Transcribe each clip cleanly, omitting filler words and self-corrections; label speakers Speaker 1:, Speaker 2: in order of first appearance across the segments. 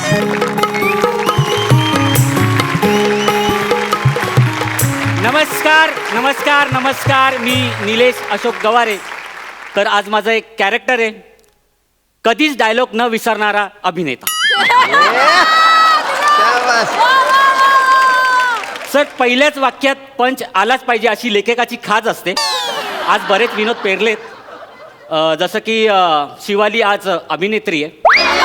Speaker 1: नमस्कार नमस्कार नमस्कार. मी निलेश अशोक गवारे. तर आज माझं एक कॅरेक्टर आहे, कधीच डायलॉग न विसरणारा अभिनेता. सर, पहिल्याच वाक्यात पंच आलाच पाहिजे अशी लेखकाची खाज असते. आज बरेच विनोद पेरलेत, जसं की शिवाली आज अभिनेत्री आहे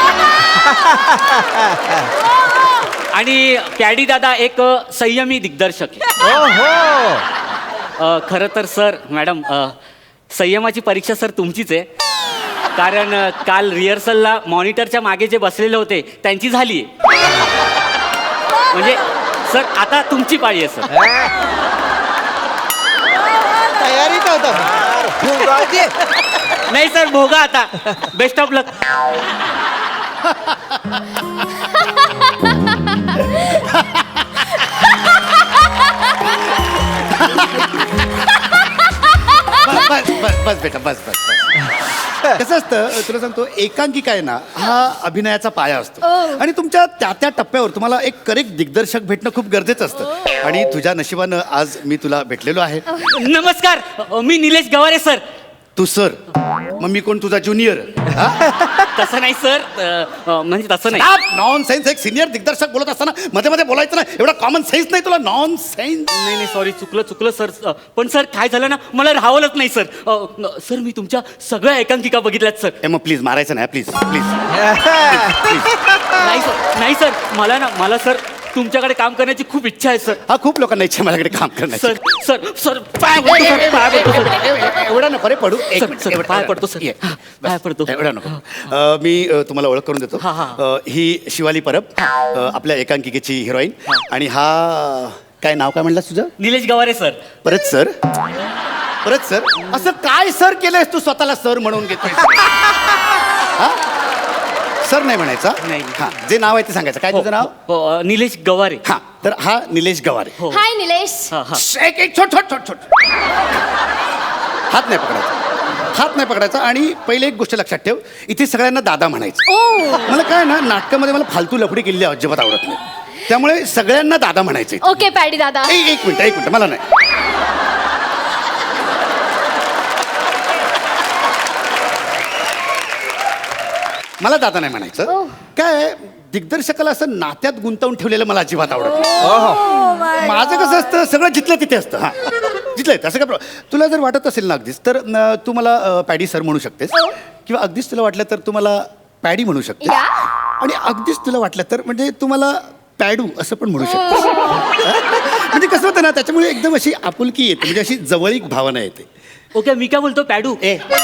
Speaker 1: आणि पॅडी दादा एक संयमी दिग्दर्शक आहे. खरं तर सर, मॅडम, संयमाची परीक्षा सर तुमचीच आहे. कारण काल रिहर्सलला मॉनिटरच्या मागे जे बसलेले होते त्यांची झाली. म्हणजे सर आता तुमची पाळी आहे सर.
Speaker 2: तयारीत होता.
Speaker 1: नाही सर, भोगा आता. बेस्ट ऑफ लक.
Speaker 2: बस बेटा, बस बस बस. कसं असतं तुला सांगतो, एकांकिका आहे ना, हा अभिनयाचा पाया असतो. आणि तुमच्या त्या त्या टप्प्यावर तुम्हाला एक करेक्ट दिग्दर्शक भेटणं खूप गरजेचं असतं. आणि तुझ्या नशिबानं आज मी तुला भेटलेलो आहे.
Speaker 1: नमस्कार, मी निलेश गवारे सर.
Speaker 2: तू सर, मग मी कोण, तुझा ज्युनियर?
Speaker 1: तसं नाही सर, म्हणजे तसं नाही.
Speaker 2: Non sense. एक सिनियर दिग्दर्शक बोलत असताना मध्ये मध्ये बोलायचं ना, एवढा कॉमन सेन्स नाही तुला? Nonsense.
Speaker 1: नाही नाही, सॉरी, चुकलं सर. पण सर काय झालं ना, मला राहावलंच नाही सर. सर, मी तुमच्या सगळ्या एकांकिका बघितल्यात सर.
Speaker 2: मग प्लीज मारायचं नाही, प्लीज प्लीज.
Speaker 1: नाही सर, मला सर तुमच्याकडे काम करण्याची खूप इच्छा आहे सर.
Speaker 2: हा, खूप लोकांना इच्छा माझ्याकडे काम करण्याची.
Speaker 1: सर सर सर पाय पडतो सर, पाय पडतो सर.
Speaker 2: एवढा नको रे पडू.
Speaker 1: पाय पडतो सर, पाय पडतो.
Speaker 2: एवढा नको. मी तुम्हाला ओळख करून देतो. ही शिवाली परब, आपल्या एकांकिकेची हिरोईन. आणि हा काय नाव काय म्हणलास तुझं?
Speaker 1: निलेश गवारे सर.
Speaker 2: परत सर, परत सर. असं काय सर केलंयस तू स्वतःला सर म्हणून घेतोय? सर नाही म्हणायचा.
Speaker 1: नाही.
Speaker 2: हा, जे नाव आहे ते सांगायचं. काय तुझं नाव?
Speaker 1: निलेश गवारे.
Speaker 2: हा, तर हा निलेश गवारे.
Speaker 3: हाय निलेश.
Speaker 2: एक छोट छोट छोट छोट. हात नाही पकडायचा, हात नाही पकडायचा. आणि पहिले एक गोष्ट लक्षात ठेव, इथे सगळ्यांना दादा म्हणायचं. मला काय ना, नाटकामध्ये मला फालतू लफडी केलेली अजिबात आवडत नाही. त्यामुळे सगळ्यांना दादा म्हणायचं.
Speaker 3: ओके पॅडी दादा.
Speaker 2: एक मिनिट, मला नाही. मला दादा नाही म्हणायचं. काय दिग्दर्शकाला असं नात्यात गुंतवून ठेवलेलं मला अजिबात आवडत नाही. माझं कसं असतं, सगळं जिथलं तिथे असतं. हा, जिथलं तसं काय तुला जर वाटत असेल ना अगदीच, तर तू मला पॅडी सर म्हणू शकतेस. किंवा अगदीच तुला वाटलं तर तू मला पॅडी म्हणू शकतेस. आणि अगदीच तुला वाटलं तर म्हणजे तू मला पॅडू असं पण म्हणू शकतेस. म्हणजे कसं होतं ना, त्याच्यामुळे एकदम अशी आपुलकी येते, म्हणजे अशी जवळीक भावना येते.
Speaker 1: ओके, मी काय बोलतो, पॅडू.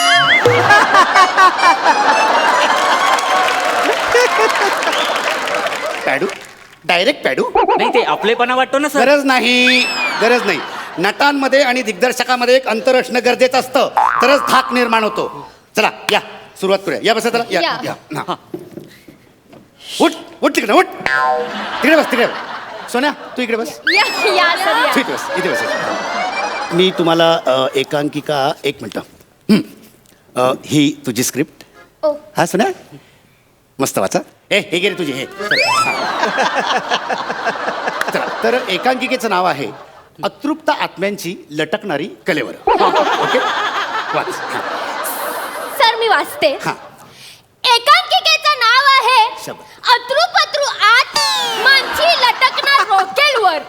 Speaker 2: पॅडू, डायरेक्ट पॅडू.
Speaker 1: नाही, ते आपलेपणा वाटतो ना सर.
Speaker 2: गरज नाही, गरज नाही. नटांमध्ये आणि दिग्दर्शकामध्ये एक अंतर असणं गरजेचं असतं, तरच धाक निर्माण होतो. चला या, सुरुवात करूया. या बसा. चला या. हा. उठ उठ, तिकडे उठ. तिकडे बस, तिकडे. सोन्या, तू इकडे बस.
Speaker 3: या सर या.
Speaker 2: इथे बस, इथे बस. मी तुम्हाला एकांकिका, एक मिनटं. ही तुझी स्क्रिप्ट. हा सोन्या, मस्त वाचा. हे गे रे तुझे हे. चला, तर एकांकिकेचं नाव आहे अतृप्त आत्म्यांची लटकणारी कलेवर. ओके, वाच.
Speaker 3: सर मी वाचते.
Speaker 2: हा.
Speaker 3: एकांकिकेचं नाव आहे अतृपत्रु आत मानची लटकणार रॉकेलवर.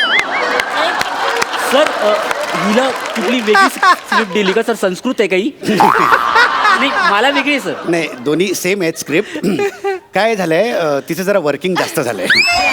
Speaker 1: सर, हिला कुठली वेगळी स्क्रिप्ट दिली का सर? संस्कृत आहे काही? नाही, मला वेगळी आहे सर.
Speaker 2: नाही, दोन्ही सेम आहेत स्क्रिप्ट. काय झालंय, तिचं जरा वर्किंग जास्त झालंय.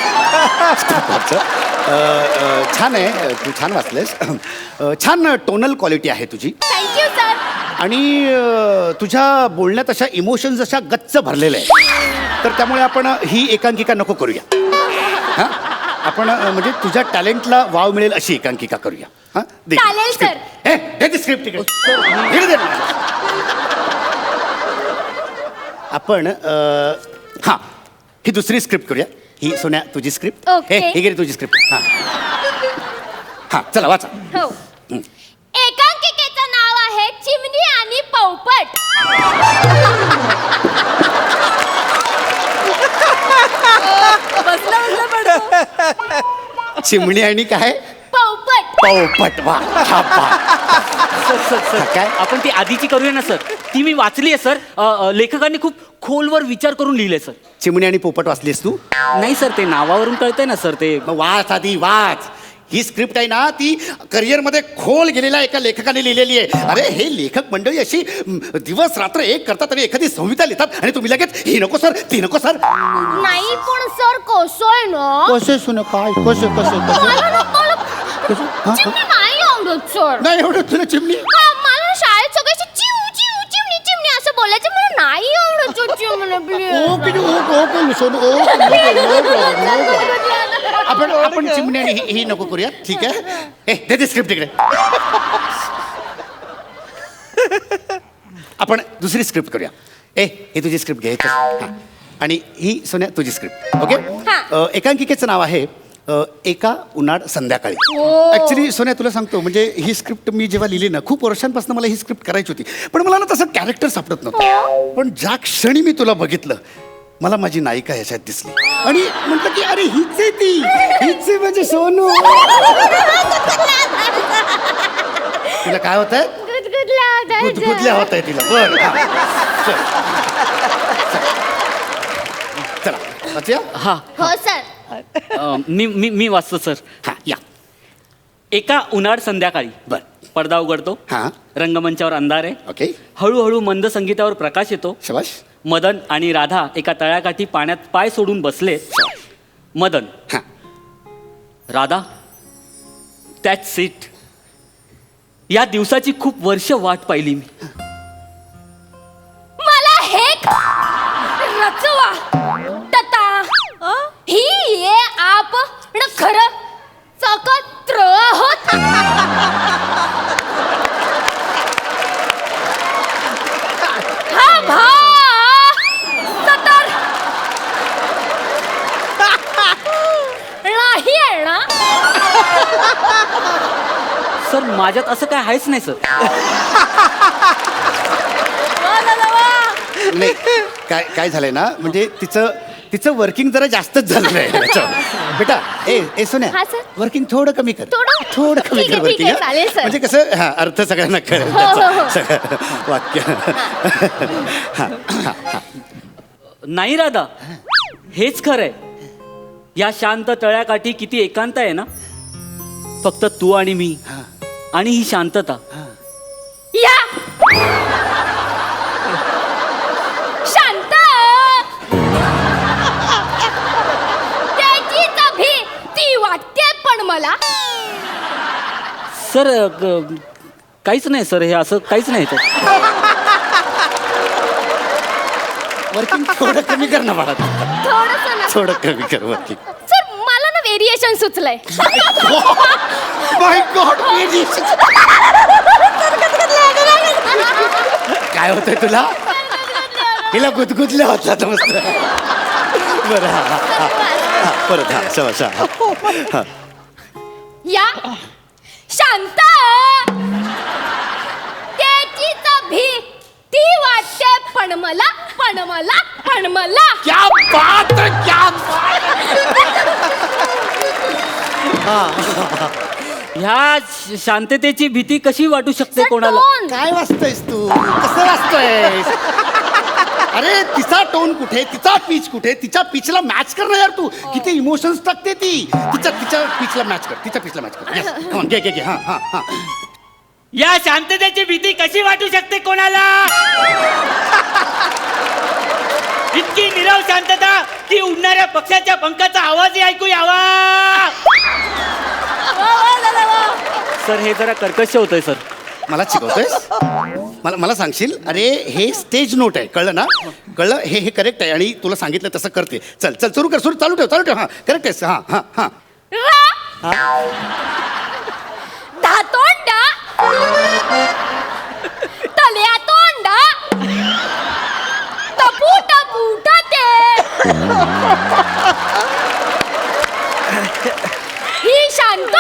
Speaker 2: छान आहे, तू छान वाचलेस. छान टोनल क्वालिटी आहे तुझी.
Speaker 3: Thank you sir.
Speaker 2: आणि तुझ्या बोलण्यात अशा इमोशन्स अशा गच्च भरलेल्या आहेत. तर त्यामुळे आपण ही एकांकिका नको करूया. हां, आपण म्हणजे तुझ्या टॅलेंटला वाव मिळेल अशी एकांकिका करूया. हां,
Speaker 3: चालेल सर.
Speaker 2: हे स्क्रिप्ट तिकडे. आपण हां, ही दुसरी स्क्रिप्ट करूया. ही सोन्या तुझी स्क्रिप्ट. हे घे तुझी स्क्रिप्ट. हां हां, चला वाचा.
Speaker 3: हो. एकांकिकेचं नाव आहे चिमणी आणि पोपट.
Speaker 2: चिमणी आणि काय
Speaker 3: पोपट.
Speaker 2: पोपट. वा क्या बात.
Speaker 1: सर सर सर
Speaker 2: काय?
Speaker 1: आपण ती आधीची करूया ना सर. ती मी वाचली आहे सर. लेखकांनी खूप खोलवर विचार करून लिहिले सर.
Speaker 2: चिमणी आणि पोपट वाचलीस तू?
Speaker 1: नाही सर, ते नावावरून कळतंय ना सर ते.
Speaker 2: मग वाच आधी वाच. ही स्क्रिप्ट आहे ना ती करिअरमध्ये खोल गेलेल्या एका लेखकाने लिहिलेली आहे. अरे हे लेखक मंडळी अशी दिवस रात्र एक करतात आणि एखादी संहिता लिहितात आणि तुम्ही लगेच ही नको सर ती नको सर.
Speaker 3: नाही पण सर कसं आहे ना,
Speaker 2: कसे सुन काय कसे कसे
Speaker 3: मला ना- मला चिमणी नाही आवडत सर.
Speaker 2: नाही एवढं तुला चिमणी.
Speaker 3: हा, मला शाळेत सगळ्याशी चिव चिव चिमणी चिमणी असं बोलायचं. मला नाही आवडत सर चिमणी
Speaker 2: आपण आपण चिमणी आणि ही नको करूया. ठीक आहे. दे दे स्क्रिप्ट इकडे. आपण दुसरी स्क्रिप्ट करूया. हे तुझी स्क्रिप्ट घे. हां. आणि ही सोन्या तुझी स्क्रिप्ट. ओके.
Speaker 3: हां.
Speaker 2: एकांकिकेचं नाव आहे एका उन्हाळ संध्याकाळी.
Speaker 3: ओ.
Speaker 2: ऍक्च्युली सोन्या तुला सांगतो म्हणजे ही स्क्रिप्ट मी जेव्हा लिहिली ना खूप वर्षांपासून मला ही स्क्रिप्ट करायची होती. पण मला ना तसं कॅरेक्टर सापडत नव्हतं. पण ज्या क्षणी मी तुला बघितलं मला माझी नायिका ह्याच्यात दिसली आणि म्हटलं की अरे हीच आहे ती. हीच आहे म्हणजे सोनू. तिला काय होत आहे? गुदगुदल्या होत आहे तिला. बर चला वाचूया?
Speaker 1: हा
Speaker 3: हो सर.
Speaker 1: मी वाचतो सर.
Speaker 2: हा या.
Speaker 1: एका उन्हाळ संध्याकाळी
Speaker 2: बर.
Speaker 1: पडदा उघडतो.
Speaker 2: हा.
Speaker 1: रंगमंचावर अंधार आहे.
Speaker 2: ओके.
Speaker 1: हळूहळू मंद संगीतावर प्रकाश येतो.
Speaker 2: शबाश.
Speaker 1: मदन आणि राधा एका तळ्याकाठी पाण्यात पाय सोडून बसले. मदन.
Speaker 2: हा.
Speaker 1: Radha, that's it. या दिवसाची खूप वर्ष वाट पाहिली मी.
Speaker 3: मला हे रचवा तता ही ये आप न खरं सकत्र आहोत. हा भा सतर नाही आहे ना.
Speaker 1: सर माझ्यात असं काय आहेच नाही सर.
Speaker 2: नाही काय काय झालंय ना म्हणजे तिचं वर्किंग जरा जास्तच झालेलं आहे याच्यावर. बेटा ए सोन्या
Speaker 3: हा, सर.
Speaker 2: वर्किंग थोडं कमी कर.
Speaker 3: थोडं?
Speaker 2: कमी
Speaker 3: ठीक
Speaker 2: कर
Speaker 3: आहे, ठीक
Speaker 2: वर्किंग.
Speaker 3: आहे, चालेल, सर.
Speaker 2: म्हणजे कसं हा अर्थ सगळ्यांना कळेल
Speaker 3: हो, हो, हो.
Speaker 2: त्याचा. सगळं वाक्य.
Speaker 1: नाही राधा, हेच खरंय. या शांत तळ्याकाठी किती एकांत आहे ना. फक्त तू आणि मी आणि ही शांतता.
Speaker 3: या शांत त्याची तभी ती वाटते पण मला.
Speaker 1: सर काहीच नाही सर, हे असं काहीच नाही सर.
Speaker 2: वर्किंग थोडं कमी कर ना बाळा.
Speaker 3: थोडस
Speaker 2: थोडं कमी कर वर्किंग.
Speaker 3: सर मला ना व्हेरिएशन सुचलंय.
Speaker 2: माय गॉड. काय होतंय तुला? हिला गुदगुदल्या होता तर मस्त. बरं हा परत हा शबाश. हा.
Speaker 3: या शांत त्याची तभी ती वाटते पण मला पण मला पण मला.
Speaker 2: क्या बात है, क्या बात
Speaker 1: ह्या शांततेची भीती कशी वाटू शकते कोणाला.
Speaker 3: टोन.
Speaker 2: काय वाचतोयस तू? कसं वाचतोयस? अरे तिचा टोन कुठे, तिचा पीच कुठे, तिच्या पिचला मॅच कर ना यार तू. किती इमोशन्स टाकते ती. तिच्या पिचला मॅच कर. तिच्या पिचला मॅच कर. Yes. Come on, घे हा हा हा.
Speaker 1: या शांततेची भीती कशी वाटू शकते कोणाला. इतकी निरव शांतता की उडणाऱ्या पक्षाच्या पंखाचा आवाजही ऐकू यावा. सर हे जरा कर्कश होतंय सर.
Speaker 2: मला शिकवतोयस? मला सांगशील? अरे हे स्टेज नोट आहे, कळलं ना? कळलं? हे करेक्ट आहे आणि तुला सांगितलं तसं करते. चल सुरू कर. चालू ठेव. हा करेक्ट आहेस. हा हा हा.
Speaker 3: धातोंडा तल्या तोंडा टपूट ते ही शांत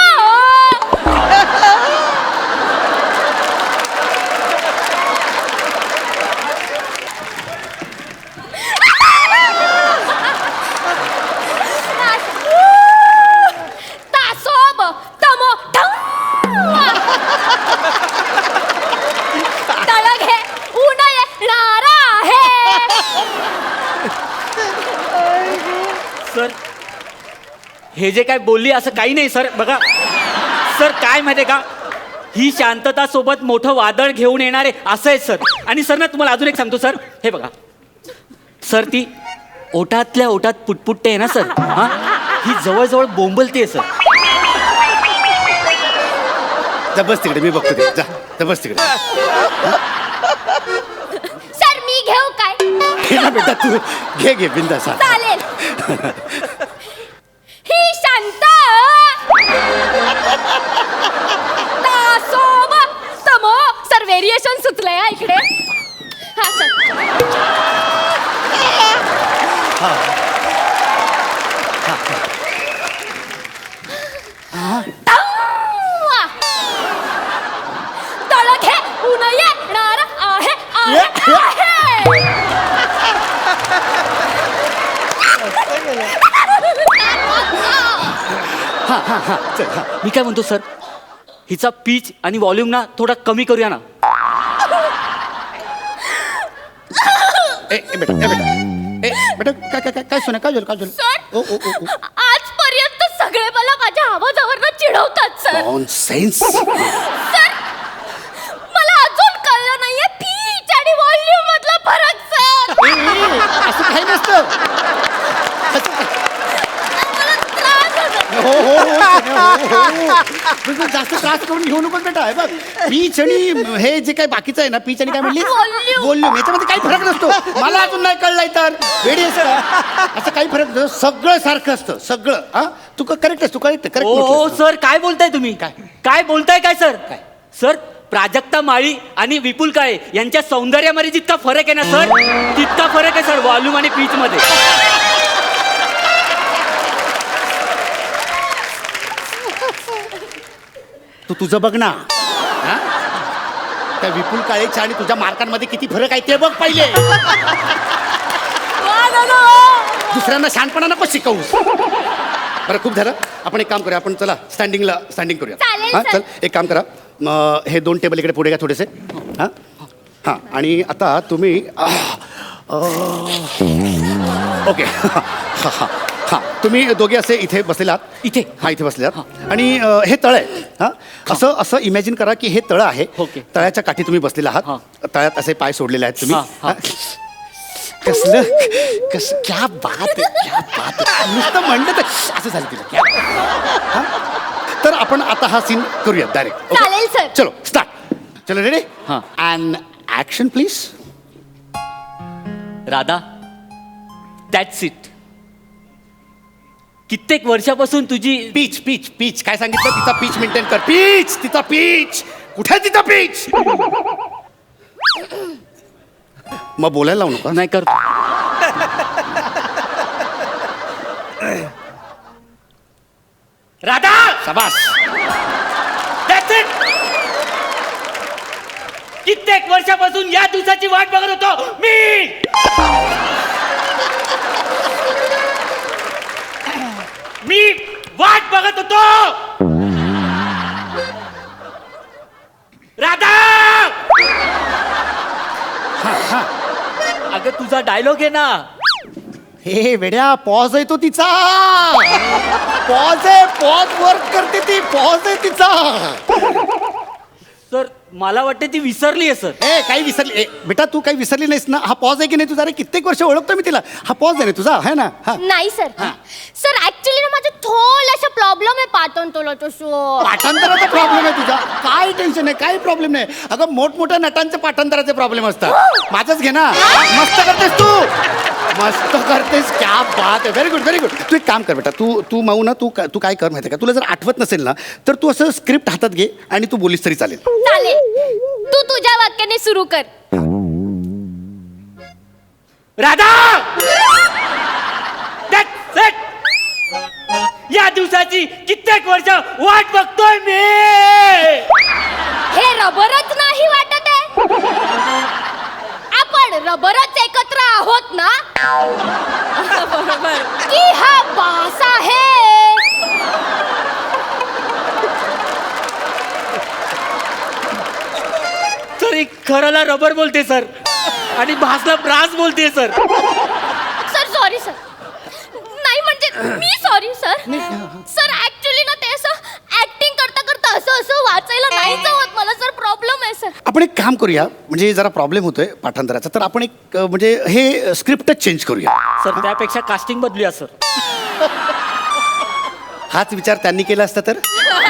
Speaker 1: सर हे जे काय बोलली असं काही नाही सर. बघा सर काय माहिती का, ही शांतता सोबत मोठं वादळ घेऊन येणारे असं आहे सर. आणि सर ना तुम्हाला अजून एक सांगतो सर, हे बघा सर, ती ओटातल्या ओटात पुटपुटते आहे ना सर, हा ही जवळजवळ बोंबलते सर.
Speaker 2: जा बस तिकडे, मी बघतो ते. जा बस तिकडे.
Speaker 3: सर मी घेऊ काय?
Speaker 2: घे ना बेटा, तू घे बिंदास.
Speaker 3: चालेल. ही शांत दासोब समो सर व्हेरिएशन सुचलंय हा इकडे. हा सर. तळ घे ऊन येणार आहे
Speaker 1: मी काय म्हणतो सर, हिचा पीच आणि व्हॉल्यूम ना थोडा कमी करूया ना.
Speaker 2: बेटा काय सोना, काय झालं?
Speaker 3: सर आजपर्यंत सगळे मला माझ्या आवाजावरनं चिडवतात सर.
Speaker 2: नॉनसेन्स.
Speaker 3: सर मला अजून कळलं नाहीये पीच आणि व्हॉल्यूम मधला फरक सर.
Speaker 2: असं काही नसतं.
Speaker 3: मला त्रास होतो.
Speaker 2: हो. जास्त त्रास करून घेऊ नको बेटा. हे बघ, पीच आणि हे जे काही बाकीचं आहे ना, पीच आणि काय म्हणली
Speaker 3: Volume.
Speaker 2: व्हॉल्यूम, याच्यामध्ये काही फरक नसतो. मला अजून नाही कळलंय तर वेडी आहेस का? असं काही फरक नसतो. सगळं सारखं असतं सगळं. हा तू करेक्ट आहेस, तू करेक्ट
Speaker 1: ओ सर काय बोलताय तुम्ही? काय बोलताय काय सर? सर प्राजक्ता माळी आणि विपुल काळे यांच्या सौंदर्यामध्ये जितका फरक आहे ना सर, तितका फरक आहे सर व्हॉल्यूम आणि पीच मध्ये.
Speaker 2: तू तुझं बघ ना. हा? त्या विपुल काळेच्या आणि तुझ्या मार्कांमध्ये किती फरक आहे ते बघ पहिले. दुसऱ्यांना शहाणपणा नको शिकवूस. बरं खूप झालं, आपण एक काम करूया, आपण चला स्टँडिंग करूया.
Speaker 3: चालेल,
Speaker 2: हां
Speaker 3: सर.
Speaker 2: चल एक काम करा, हे 2 टेबल इकडे पुढे घ्या थोडेसे. हां हां आणि आता तुम्ही ओके. हां हां हां तुम्ही दोघे असे इथे बसलेले आहात.
Speaker 1: इथे?
Speaker 2: हां इथे बसले आहात. आणि हे तळ आहे. हां असं इमॅजिन करा की हे तळ आहे.
Speaker 1: ओके.
Speaker 2: तळ्याच्या काठी तुम्ही बसलेले आहात.
Speaker 1: हां.
Speaker 2: तळ्यात असे पाय सोडलेले आहेत तुम्ही.
Speaker 1: हां, हां.
Speaker 2: कसलं क्या बात आहे, क्या बात आहे. नुसतं म्हणलं तर असं झालं तिला. हां? तर आपण आता हा सीन करूया डायरेक्ट.
Speaker 3: चालेल, सर.
Speaker 2: चलो स्टार्ट. चलो रेडी.
Speaker 1: हां.
Speaker 2: And action please.
Speaker 1: Radha, that's it. कित्येक वर्षापासून तुझी
Speaker 2: पीच काय सांगितलं? तिचा पीच मेंटेन कर. तिचा पीच कुठे आहे? तिचा पीच. मग बोलायला लावू नका.
Speaker 1: नाही करतो. राधा,
Speaker 2: शाबास.
Speaker 1: That's it. कित्येक वर्षापासून या दिवसाची वाट बघत होतो मी. वाट बघत होतो. राधा, अगं तुझा डायलॉग आहे ना.
Speaker 2: हे वेड्या, पॉज आहे तो तिचा. पॉज आहे, पॉज वर्क करते ती. पॉज आहे तिचा.
Speaker 1: सर मला वाटते ती विसरली आहे सर.
Speaker 2: काही विसरली बेटा, तू काही विसरली नाहीस ना. हा पॉज आहे की नाही तुझा? अरे कित्येक वर्ष ओळखतो मी तिला. हा पॉज आहे ना तुझा, है ना? हा
Speaker 3: नाही सर. सर ऍक्च्युली ना माझं थोडासा प्रॉब्लेम आहे पाठांतरला तसं.
Speaker 2: पाठांतराचा प्रॉब्लेम आहे तुझा. काय टेन्शन आहे, काही प्रॉब्लेम नाही. अगं मोठमोठ्या नटांचे पाठांतराचे प्रॉब्लेम असतात. माझंच घे ना. मस्त करतेस तू, मस्त करतेस. क्या बात आहे. Very good very good. तू एक काम कर बेटा, तू माऊ ना, तू काय कर माहिती आहे का, तुला जर आठवत नसेल ना तर तू असं स्क्रिप्ट हातात घे आणि तू बोलीस तरी चालेल.
Speaker 3: चालेल, तू तुझ्या वाक्याने सुरू कर.
Speaker 1: Radha, that's it. या दिवसाची कित्येक वर्ष वाट बघतोय मी.
Speaker 3: हे रबरच नाही वाटत आहे. आपण रबरच एकत्र आहोत ना. बरोबर की हा बास आहे.
Speaker 1: सर खरंला रबर बोलते सर आणि भासला ब्रास बोलते सर.
Speaker 3: Sir sorry sir. नाही म्हणजे सर ऍक्च्युली ना ते असं ऍक्टिंग करता करता असं असं वाचायला नाही जमत मला सर प्रॉब्लेम आहे सर.
Speaker 2: आपण एक काम करूया, म्हणजे जरा प्रॉब्लेम होतोय पाठांतराचा, तर आपण एक म्हणजे हे स्क्रिप्टच चेंज करूया.
Speaker 1: सर त्यापेक्षा कास्टिंग बदलूया सर.
Speaker 2: हाच विचार त्यांनी केला असता तर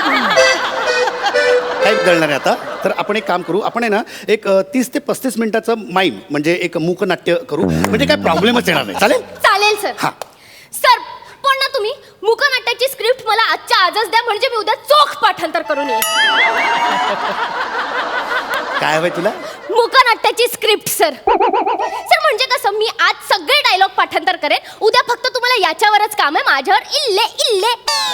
Speaker 2: काय बदलणार आहे आता. तर आपण एक काम करू, आपण आहे ना एक 30 ते 35 मिनिटाचं माईम म्हणजे एक मूकनाट्य करू, म्हणजे काय प्रॉब्लेमच येणार नाही. चालेल?
Speaker 3: चालेल सर.
Speaker 2: हा.
Speaker 3: सर पण ना तुम्ही मूकनाट्याची स्क्रिप्ट मला आजच्या आजच द्या म्हणजे मी उद्या चोख पाठांतर करून येईन.
Speaker 2: काय हवंय तुला?
Speaker 3: मूकनाट्याची स्क्रिप्ट सर. सर म्हणजे कसं मी आज सगळे डायलॉग पाठांतर करेन, उद्या फक्त तुम्हाला याच्यावरच काम आहे, माझ्यावर इल्ले इल्ले.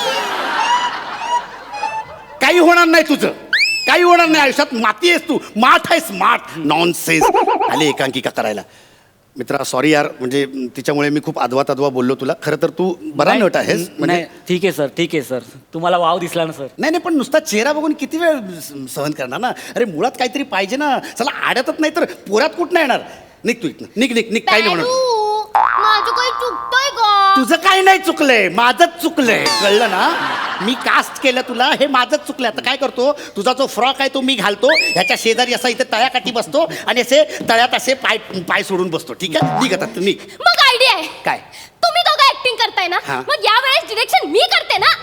Speaker 2: काही होणार नाही तुझं, काही होणार नाही आयुष्यात. माती आहेस तू, माठ आहेस, माठ. नॉनसेन्स आले एकांकिका करायला. मित्रा सॉरी यार, म्हणजे तिच्यामुळे मी खूप आदवा तदवा बोललो तुला. खरं तर तू बरा नट आहेस म्हणजे.
Speaker 1: नाही ठीक आहे सर, ठीक आहे सर. तुम्हाला वाव दिसला ना सर.
Speaker 2: नाही नाही, पण नुसता चेहरा बघून किती वेळ सहन करणार ना. अरे मुळात काहीतरी पाहिजे ना. चला आड्यातच नाही तर पोऱ्यात कुठं येणार. निघ तू इथनं, निघ निघ निघ. काही नाही होणार.
Speaker 3: बॅडू, माझं काही चुकतंय का?
Speaker 2: तुझं काही नाही चुकलंय, माझंच चुकलंय. कळलं ना. मी कास्ट केलं तुला, हे माझंच चुकलंय. आता काय करतो, तुझा जो फ्रॉक आहे तो मी घालतो, ह्याच्या शेजारी असा इथे तळ्याकाठी बसतो आणि असे तळ्यात असे पाय पाय सोडून बसतो. ठीक आहे, निघ आता निघ.
Speaker 3: मग आयडिया आहे
Speaker 2: काय?
Speaker 3: तुम्ही दोघं ऍक्टिंग करताय ना,
Speaker 2: हा.
Speaker 3: मग यावेळेस डिरेक्शन मी करते ना.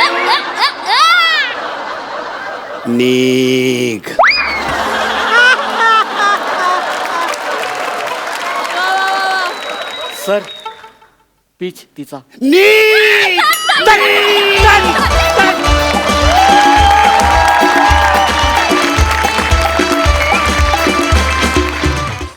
Speaker 2: निघ.
Speaker 1: सर पीच तिचा.
Speaker 2: निघ.